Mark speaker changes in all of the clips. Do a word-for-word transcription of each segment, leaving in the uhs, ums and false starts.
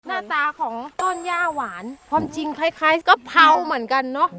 Speaker 1: หน้าตาของต้นหญ้าหวานความจริงคล้ายๆก็เพราเหมือนกันเนาะ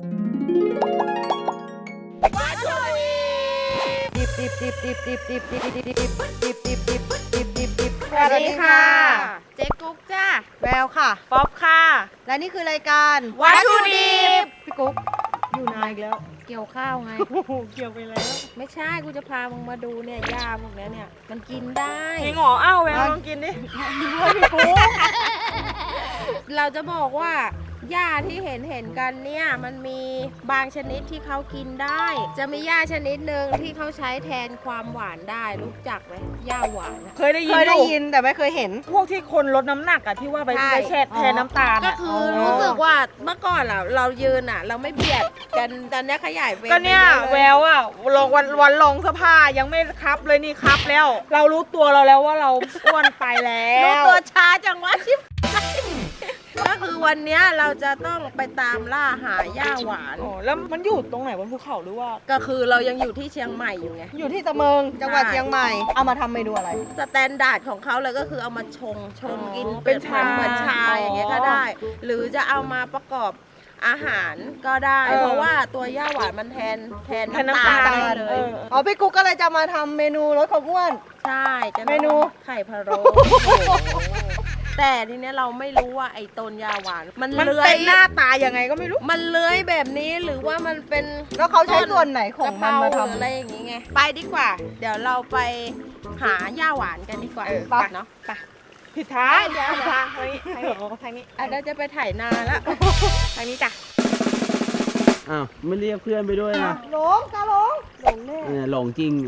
Speaker 1: วัตถุดิบดิบดิบดิบดิบดิบดิบดิบดิบดิบดิบดิบดิบดิบดิบดิบสวัสดีค่ะเจ๊กุ๊กจ้าแววค่ะป๊อปค่ะและนี่คือรายการวัตถุดิบพี่กุ๊กอยู่นานอีกแล้วเกี่ยวข้าวไงเกี่ยวไปแล้วไม่ใช่กูจะพามึงมาดูเนี่ยหญ้าพวกนี้เนี่ยมันกินได้
Speaker 2: จริงเหรออ้าวแววลองกินดิพี่กุ๊ก
Speaker 1: เราจะบอกว่าหญ้าที่เห็นเห็นกันเนี่ยมันมีบางชนิดที่เขากินได้จะมีหญ้าชนิดหนึ่งที่เขาใช้แทนความหวานได้รู้จักไหมหญ้าหวาน
Speaker 2: เคยได้ยิน
Speaker 3: เคยได้ยินแต่ไม่เคยเห็น
Speaker 2: พวกที่คนลดน้ำหนักอะที่ว่าไปไปแช่แทนน้ำตาล
Speaker 1: ก็คือรู้สึกว่าเมื่อก่อนเราเรายืนอะเราไม่เบียดกันตอนนี้ขยายเป็น
Speaker 2: ก็เนี่ยแววอะลงวันวันลงเสื้อผ้ายังไม่ครับเลยนี่ครับแล้วเรารู้ตัวเราแล้วว่าเราอ้วนไปแล้ว
Speaker 1: รู้ตัวช้าจังวะชิบก็คือวันนี้เราจะต้องไปตามล่าหาหญ้าหวาน
Speaker 2: อ๋อแล้วมันอยู่ตรงไหนบนภูเขาหรือว่า
Speaker 1: ก็คือเรายังอยู่ที่เชียงใหม่อยู่ไง
Speaker 3: อยู่ที่ตะเมิงจังหวัดเชียงใหม่เอามาทำเมนูอะไร
Speaker 1: สแตนดาร์ดของเขาเลยก็คือเอามาชงชงกินเป็นชาเหมือนชาอย่างเงี้ยก็ได้ หรือจะเอามาประกอบอาหารก็ได้เพราะว่าตัวหญ้าหวานมันแทนแทนน้ำตาลได้เลย
Speaker 3: อ๋อพี่กุ๊กก็เลยจะมาทำเมนูลดความอ้วน
Speaker 1: ใช่
Speaker 3: เมนู
Speaker 1: ไข่พะโล้แต่ทีเนี้ยเราไม่รู้ว่าไอ้ต้นหญ้าหวานมันเลื้อย
Speaker 2: หน้าตายังไงก็ไม่รู้
Speaker 1: มันเลื้อยแบบนี้หรือว่ามันเป็น
Speaker 3: แล้วเขาใช้ส่วนไหนของมันมาทำ
Speaker 1: อะไรอย่างงี้ไงไปดีกว่าเดี๋ยวเราไปหาหญ้าหวานกันดีกว่าไปเนาะไป
Speaker 2: ผิดทางผิดทางทางนี้ทางนี้
Speaker 1: อ่ะเราจะไปถ่ายนาแล้วทางนี้จ้ะ
Speaker 4: อ้าวไม่เรียกเพื่อนไปด้วยนะ
Speaker 3: หลงกาหลงหลงแน่
Speaker 4: เนี่ยหลงจริง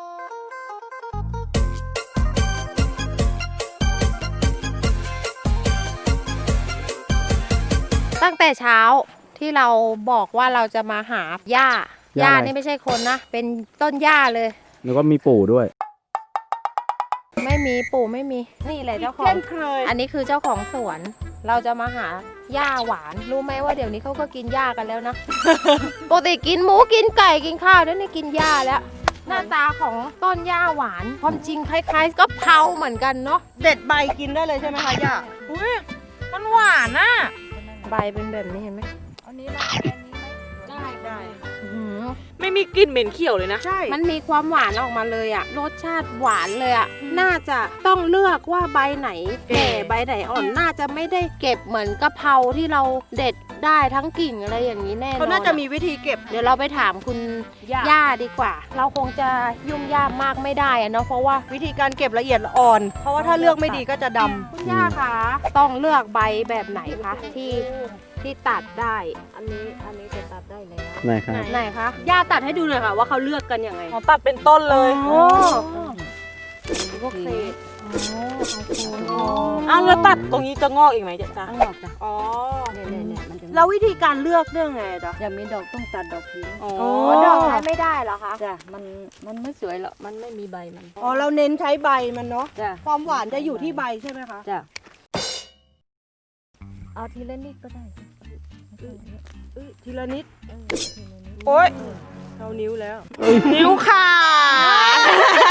Speaker 1: ตั้งแต่เช้าที่เราบอกว่าเราจะมาหาหญ้าหญ้านี่ไม่ใช่คนนะเป็นต้นหญ้าเลย
Speaker 4: แล้วก็มีปู่ด้วย
Speaker 1: ไม่มีปู่ไม่มีนี่แหละเจ้าของอันนี้คือเจ้าของสวนเราจะมาหาหญ้าหวานรู้ไหมว่าเดี๋ยวนี้เขาก็กินหญ้ากันแล้วนะ ปกติกินหมูกินไก่กินข้าวแล้วนี่กินหญ้าแล้วหน้าตาของต้นหญ้าหวานความจริงคล้ายๆก็เพราเหมือนกันเนาะ
Speaker 3: เด็ดใบกินได้เลยใช่ไหมคะหญ้า
Speaker 2: อุ้ยมันหวานน่ะ
Speaker 1: ใบเป็นแบบนี้เห็นไหม
Speaker 2: อันนี้นะอันนี้ไม่ได้ได้
Speaker 1: ไม่
Speaker 2: มีกลิ่นเหม็นเขียวเลยนะ
Speaker 1: ใช่มันมีความหวานออกมาเลยอะรสชาติหวานเลยอะน่าจะต้องเลือกว่าใบไหนแก่ใบไหนอ่อนน่าจะไม่ได้เก็บเหมือนกะเพราที่เราเด็ดได้ทั้งกิ่งอะไรอย่างนี้แน่นอน
Speaker 3: เขาน่าจะมีวิธีเก็บ
Speaker 1: เดี๋ยวเราไปถามคุณย่าดีกว่าเราคงจะยุ่งยากมากไม่ได้อะเนาะเพราะว่า
Speaker 3: วิธีการเก็บละเอียดอ่อนเพราะว่าถ้าเลือกไม่ดีก็จะดำ
Speaker 1: คุณย่าคะต้องเลือกใบแบบไหนคะที่ที่ตัดได้
Speaker 5: อันนี้อันนี้จะตัดได้แล้ว
Speaker 4: ไหนครับ
Speaker 1: ไหนคะย่าตัดให้ดูหน่อยค่ะว่าเขาเลือกกันยังไง
Speaker 2: อ๋อตัดเป็นต้นเลย
Speaker 1: โอ้พวกเศษ
Speaker 2: อ้าวแล้วตัดตรงนี้จะงอกอีกไหมจ๊ะจ๊ะ
Speaker 5: งอกจ้ะ
Speaker 2: อ๋อ
Speaker 5: เนี่ยเนี่ยเนี่ยมันจะ
Speaker 1: แล้ววิธีการเลือกเรื่องไงจ๊ะ
Speaker 5: ยังมีดอกต้องตัดดอกทิ้ง
Speaker 1: อ๋อดอกใช้ไม่ได้เหรอคะ
Speaker 5: จ้ะมันมันไม่สวยหรอกมันไม่มีใบมัน
Speaker 3: อ๋อเราเน้นใช้ใบมันเนาะ
Speaker 5: จ้ะ
Speaker 3: ความหวานจะอยู่ที่ใบใช่ไหมคะ
Speaker 5: จ้ะเอาทีละนิดก็ได้
Speaker 3: ทีละนิด
Speaker 2: โอ๊ย
Speaker 3: เอานิ้วแล้ว
Speaker 2: นิ้วขาด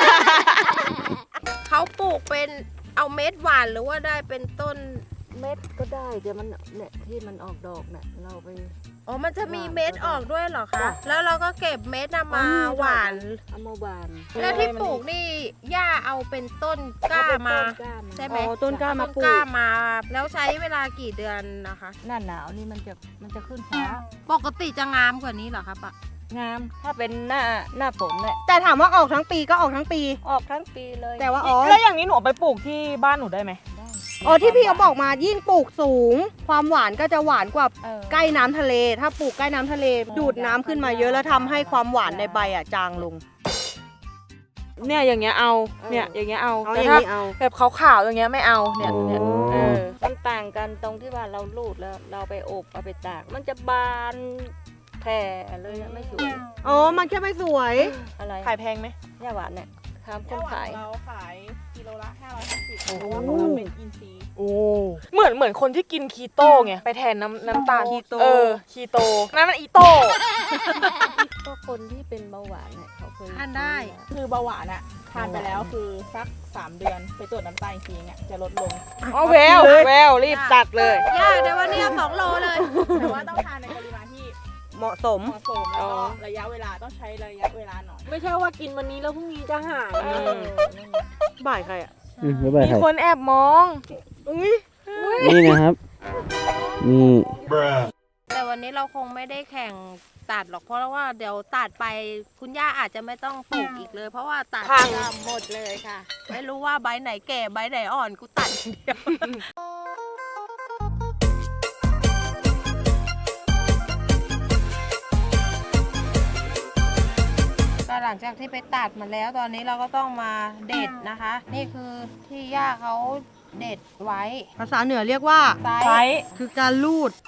Speaker 1: เขาปลูกเป็นเอาเม็ดหวานหรือว่าได้เป็นต้น
Speaker 5: เม็ดก็ได้แต่มันเนี่ยที่มันออกดอกเนี่ยเราไป
Speaker 1: อ๋อมันจะมีเม็ดออกด้วยเหรอคะแล้วเราก็เก็บเม็ดมาหวาน
Speaker 5: เอามาหวาน
Speaker 1: แล้วที่ปลูกนี่ย่าเอาเป็นต้นกล้ามาใช่ไหม
Speaker 3: ต้นกล้ามาปลูก
Speaker 1: กล้ามาแล้วใช้เวลากี่เดือนนะคะ
Speaker 5: หน้าหนาวนี่มันจะมันจะขึ้นช้า
Speaker 1: ปกติจะงามกว่านี้เหรอคะปะ
Speaker 5: งามถ้าเป็นหน้าหน้าฝนเนี่ย
Speaker 3: แต่ถามว่าออกทั้งปีก็ออกทั้งปี
Speaker 5: ออกทั้งปีเลย
Speaker 3: แต่ว่าอ๋อ
Speaker 2: แล้วอย่างนี้หนูไปปลูกที่บ้านหนูได้ไหม
Speaker 3: อ๋อที่พี่เขาบอกมายิ่งปลูกสูงความหวานก็จะหวานกว่าใกล้น้ำทะเลถ้าปลูกใกล้น้ำทะเลดูดน้ำขึ้นมาเยอะแล้วทำให้ความหวานในใบอ่ะจางลง
Speaker 2: เนี่ยอย่างเงี้ยเอาเนี่ยอย่างเงี้ยเอา
Speaker 3: แต่ถ้า
Speaker 2: แบบขาวๆอย่างเงี้ยไม่เอาเนี่ยเนี่ย
Speaker 5: มันต่างกันตรงที่ว่าเราลูดแล้วเราไปอบเอาไปตากมันจะบานแผ่เลยไม่สวย
Speaker 3: อ๋อมันแค่ไม่สวย
Speaker 5: อะไร
Speaker 2: ขายแพงไหม
Speaker 5: หญ้าหวานเนี่ยทำคนขาย
Speaker 2: เราขายกิโลละห้าร้อยห้าสิบเพราะว่าของเราเป็นอินทรีย์โอ้เหมือนเหมือนคนที่กินคีโตไงไปแทนน้ำน้ำตาล
Speaker 3: คีโต
Speaker 2: เออคีโตนั่นมันอีโต
Speaker 5: ก็คนที่เป็นเบาหวานเนี่ยเขา
Speaker 2: เคย
Speaker 1: ทานได้
Speaker 6: คือเบาหวานอะทานไปแล้วคือสักสามเดือนไปตรวจน้ำตาลอีกทีเนี่ยจะลดลง
Speaker 2: อ๋อแววแววรีบตัดเลย
Speaker 1: ย่าเดี๋ยววันนี้เอาสองโลเลย
Speaker 6: แต่ว่าต้องทานในปริมาณที่
Speaker 3: เหมาะสม
Speaker 6: เหมาะสมแล้วก็ระยะเวลาต้องใช้ระยะเวลาหน่อย
Speaker 5: ไม่ใช่ว่ากินวันนี้แล้วพรุ่งนี้จะหาย
Speaker 6: เออ
Speaker 3: บ่ายใครอ่ะ
Speaker 4: อืมไม่เป็น
Speaker 2: มี
Speaker 4: ไร
Speaker 2: คนแอบมอง
Speaker 4: นี่นะครับ นี่
Speaker 1: แต่วันนี้เราคงไม่ได้แข่งตัดหรอกเพราะว่าเดี๋ยวตัดไปคุณย่าอาจจะไม่ต้องปลูกอีกเลย เพราะว่าตัด
Speaker 2: พัง
Speaker 1: จะหมดเลยค่ะ ไม่รู้ว่าใบไหนแก่ใบไหนอ่อนกูตัดอย่างเดียวก็หลังจากที่ไปตัดมาแล้วตอนนี้เราก็ต้องมาเด็ดนะคะ นี่คือที่ย่าเขาเด็ดไว้
Speaker 3: ภาษาเหนือเรียกว่า
Speaker 1: ไซ
Speaker 2: ไซ
Speaker 1: ส์
Speaker 2: ส์
Speaker 3: คือการลูด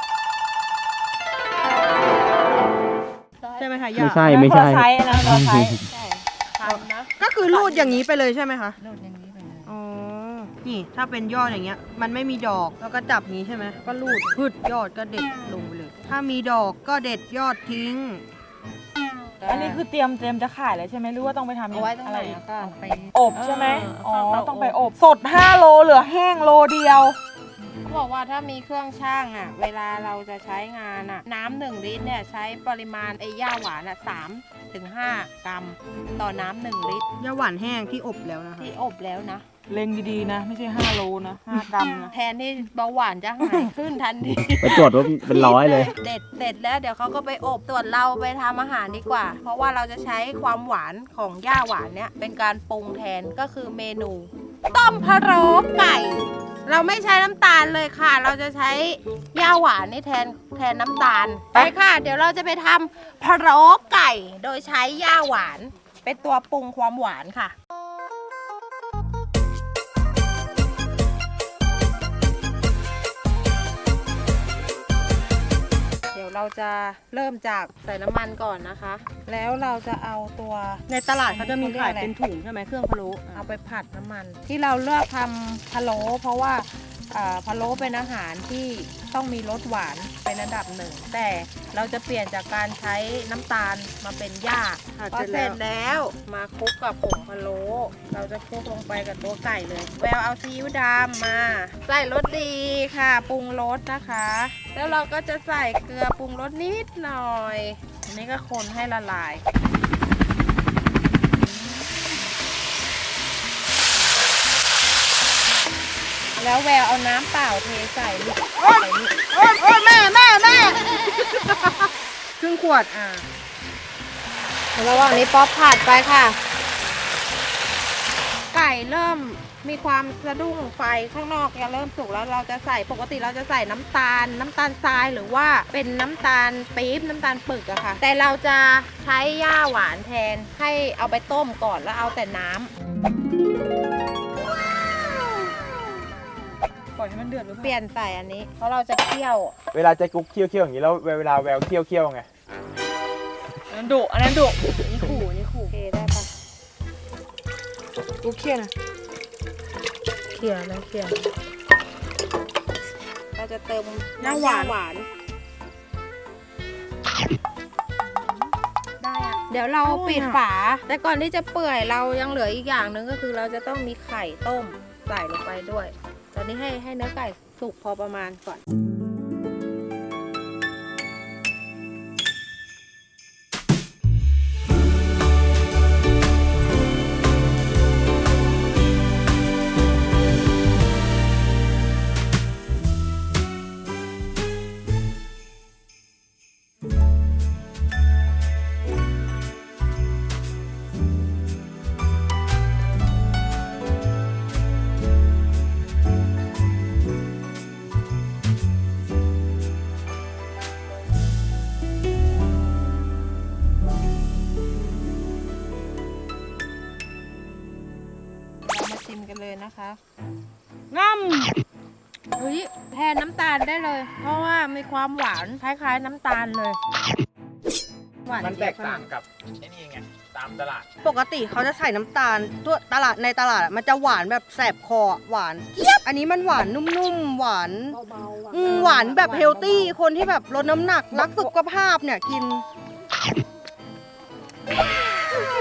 Speaker 3: ใช่ไหมคะย่า
Speaker 4: ไม่ใช่ไม่ใช่
Speaker 2: คนละไซส์อันนั้นคนละไซส์
Speaker 1: ใช่ทำนะ
Speaker 3: ก็คือลูดอย่างนี้ไปเลยใช่ไหมคะ
Speaker 1: รูดอย่างนี้ไปเลย
Speaker 3: อ๋อ นี่ถ้าเป็นยอดอย่างเงี้ย มันไม่มีดอกแล้วก็จับงี้ใช่ไหมก็ลูดพืดยอดก็เด็ดลงไปเลย ถ้ามีดอกก็เด็ดยอดทิ้ง
Speaker 2: อันนี้คือเตรียมเตรียมจะขายเลยใช่ไหมหรือว่าต้องไปทำ
Speaker 1: เอาไว้ตรง
Speaker 2: อะ
Speaker 1: ไหน
Speaker 2: ไร
Speaker 1: แล้วก็เอาไป
Speaker 2: อบใช่ไหม
Speaker 1: เออ
Speaker 2: อ๋อ
Speaker 1: เอาไปอบ
Speaker 2: ต้องไปอบสดห้าโลเหลือแห้งโลเดียว
Speaker 1: เขาบอกว่าถ้ามีเครื่องช่างอ่ะ เวลาเราจะใช้งานอ่ะ น้ำหนึ่งลิตรเนี่ยใช้ปริมาณไอ้ย่าหวานอ่ะสามถึงห้ากรัม ต่อน้ำหนึ่งลิตร
Speaker 3: ยาหวานแห้งที่อบแล้วนะคะ
Speaker 1: ที่อบแล้วนะ
Speaker 2: เล็งดีๆนะ ไม่ใช่ห้าโลนะห้ากรัมนะ
Speaker 1: แทนที่เบาหวานจะหายขึ้นทันที
Speaker 4: ไปจดว่าเป็นร้อยเลย
Speaker 1: เด็ดเสร็จแล้วเดี๋ยวเขาก็ไปอบส่วนเราไปทำอาหารดีกว่า เพราะว่าเราจะใช้ความหวานของย่าหวานเนี่ยเป็นการปรุงแทนก็คือเมนู ต้มพะโล้ไก่ เราไม่ใช้น้ำตาลเลยค่ะ เราจะใช้ย่าหวานนี่แทนแทนน้ำตาลไปค่ะ เดี๋ยวเราจะไปทำพะโล้ไก่ โดยใช้ย่าหวาน เป็นตัวปรุงความหวานค่ะ เดี๋ยวเราจะเริ่มจากใส่น้ำมันก่อนนะคะ แล้วเราจะเอาตัว
Speaker 3: ในตลาดเขาจะมีขายเป็นถุงใช่ไหมเครื่องพะโล้
Speaker 1: เอาไปผัดน้ำมัน ที่เราเลือกทำพะโล้เพราะว่าอ่าพะโล้เป็นอาหารที่ต้องมีรสหวานเป็นระดับหนึ่ง แต่เราจะเปลี่ยนจากการใช้น้ำตาลมาเป็นหญ้า
Speaker 3: ผัด
Speaker 1: พอ
Speaker 3: เสร็จ
Speaker 1: เสร็
Speaker 3: แล้
Speaker 1: จ
Speaker 3: ว
Speaker 1: แล้วมาคลุกกับผงพะโล้เราจะคลุกลงไปกับตัวไก่เลย แววเอาซีอิ๊วดำมา ใส่รสดีค่ะปรุงรสนะคะ แล้วเราก็จะใส่เกลือปรุงรสนิดหน่อยอันนี้ก็คนให้ละลาย แล้วแววเอาน้ำเปล่าเทใส่ลูกใส่นี่
Speaker 3: โอ๊ยโอ๊ยแม่แม่แม่ ครึ่งขวด
Speaker 1: อ่าระหว่างนี้ป๊อปผัดไปค่ะ ไก่เริ่มมีความสะดุ้งไฟข้างนอกจะเริ่มสุกแล้วเราจะใส่ปกติเราจะใส่น้ำตาล น้ำตาลทรายหรือว่าเป็นน้ำตาลปี๊บน้ำตาลปึกอะค่ะ แต่เราจะใช้ย่าหวานแทนให้เอาไปต้มก่อนแล้วเอาแต่น้ำ
Speaker 2: ปล่อยให้มันเดือดหรือ
Speaker 1: เป
Speaker 2: เปล่า
Speaker 1: ลี่ยนใส่อันนี้ เพราะเราจะเคี่ยว
Speaker 7: เวลาจะกุ๊กเคี่ยวเคี่ยวอย่างนี้แล้วเวลาแววเคี่ยวเคี่ยวไง
Speaker 2: อันนั้นดุอันนั้นดุ
Speaker 1: นี่ขู่นี่ขู่โอเคได้ปะ
Speaker 2: กูเครียดนะ
Speaker 1: เคี่ยวแล้วเคี่ยวเราจะเติม
Speaker 3: น้ำหวาน
Speaker 1: หวาน ได้อะเดี๋ยวเราปิดฝา แต่ก่อนที่จะเปื่อยเรายังเหลืออีกอย่างหนึ่งก็คือเราจะต้องมีไข่ต้มใส่ลงไปด้วย ตอนนี้ให้ให้เนื้อไก่สุกพอประมาณก่อน เรามาชิมกันเลยนะคะ
Speaker 3: ง่
Speaker 1: เฮ้ยแทนน้ำตาลได้เลย เพราะว่ามีความหวานคล้ายๆน้ำตาลเลย หวาน
Speaker 7: มันแตก
Speaker 1: เจี๊ยบ
Speaker 7: ต่างกับไอ้นี่ไง ตามตลาด
Speaker 3: ำปกติเขาจะใส่น้ำตาลตัวตลาดในตลาดอะมันจะหวานแบบแสบคออะหวานเจี๊ยบ อันนี้มันหวานนุ่มๆ หวานอืมหวานแบบเฮลตี้ คนที่แบบลดน้ำหนักรักสุขภาพเนี่ยกิน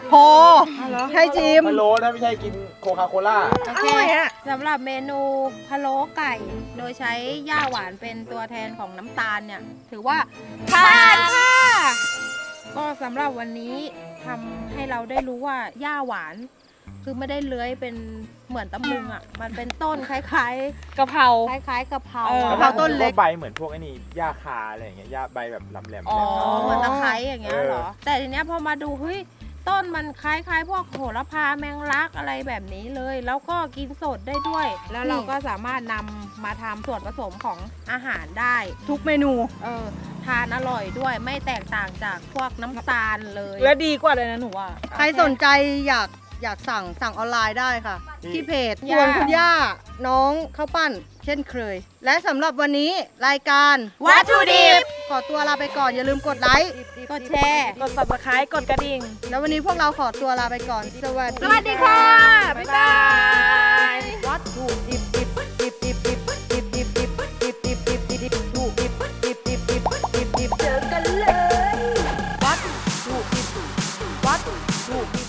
Speaker 3: พอให้ชิม
Speaker 7: พะโล้ถ้าไม่ใช่กินโคคาโคล่า
Speaker 1: โอเคสำหรับเมนูพะโล้ไก่ โดยใช้ย่าหวานเป็นตัวแทนของน้ำตาลเนี่ย ถือว่าผ่านค่ะ ก็สำหรับวันนี้ทำให้เราได้รู้ว่าย่าหวาน คือไม่ได้เลื้อยเป็นเหมือนตะมุงอ่ะ มันเป็นต้นคล้าย
Speaker 2: กะเพรา
Speaker 1: ๆ คล้ายๆกะเพรา
Speaker 2: เออ
Speaker 1: อะ
Speaker 3: กะเพราต้นเล็ก
Speaker 7: ใบเหมือนพวกไอ้นี่หญ้าคาอะไรอย่างเงี้ยหญ้าใบแบบลำแหลมๆ
Speaker 2: อ๋อ
Speaker 1: อ๋อเหมือนตะไคร้อย่างเงี้ยเหรอ
Speaker 7: เออ
Speaker 1: แต่ทีเนี้ยพอมาดูเฮ้ยต้นมันคล้ายๆ พวกโหระพาแมงลักอะไรแบบนี้เลย แล้วก็กินสดได้ด้วย แล้วเราก็สามารถนำมาทำส่วนผสมของอาหารได้
Speaker 3: ทุกเมนู
Speaker 1: เออทานอร่อยด้วยไม่แตกต่างจากพวกน้ำตาลเลย
Speaker 2: และดีกว่าเลยนะหนูว่า
Speaker 3: ใครสนใจอยากอยากสั่งสั่งออนไลน์ได้ค่ะ ที่เพจ
Speaker 1: ย่า
Speaker 3: ส่วนคุณย่าน้องข้าวปั้น เช่นเคย และสำหรับวันนี้รายการ
Speaker 1: วัตถุดิบ
Speaker 3: ขอตัวลาไปก่อน อย่าลืมกดไลค์
Speaker 1: กดแชร์
Speaker 2: กด subscribe กดกระดิ่ง
Speaker 3: แล้ววันนี้พวกเราขอตัวลาไปก่อน สวัสดี
Speaker 1: สวัสดีค่ะ บ๊ายบาย
Speaker 3: วัตถุดิบดิบดิบดิบดิบดิบดิบดิบดิบดิบดิบดิบดิบดิบดิบดิบดิบดิบดิบเจอกันเลยวัตถุดิบวัตถุดิบ